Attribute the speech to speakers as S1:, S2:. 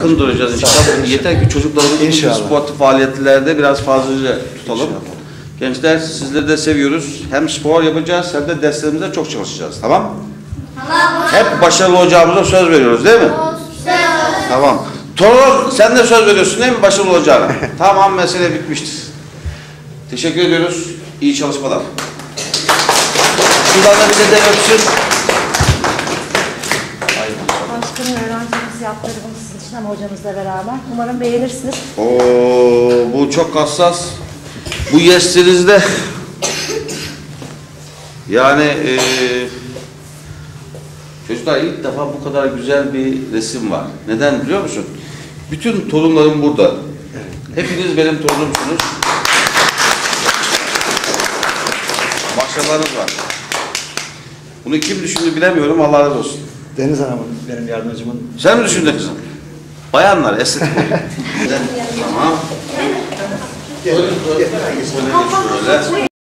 S1: Yakın duracağız inşallah. Yeter ki çocuklarımızı sportif faaliyetlerde biraz fazlaca tutalım. İnşallah. Gençler sizleri de seviyoruz. Hem spor yapacağız hem de derslerimizde çok çalışacağız. Tamam? Tamam. Hep başarılı olacağımıza söz veriyoruz değil mi? Söz. Tamam. Torun sen de söz veriyorsun değil mi başarılı olacağına? Tamam, mesele bitmiştir. Teşekkür ediyoruz. İyi çalışmalar. Şuradan da bize de öpsün.
S2: Başkanım, öğrencimiz yaptırdı bunu sizin için ama hocamızla beraber. Umarım beğenirsiniz.
S1: Bu çok hassas. Bu yeslerinizde yani çocuklar ilk defa bu kadar güzel bir resim var. Neden biliyor musun? Bütün torunlarım burada. Evet. Hepiniz benim torunumsunuz. Başarılarınız var. Bunu kim düşündü bilemiyorum. Allah razı olsun.
S3: Deniz Hanım'ın, benim yardımcımın.
S1: Sen mi düşündün kızım? Bayanlar, estetik. Tamam. Şöyle.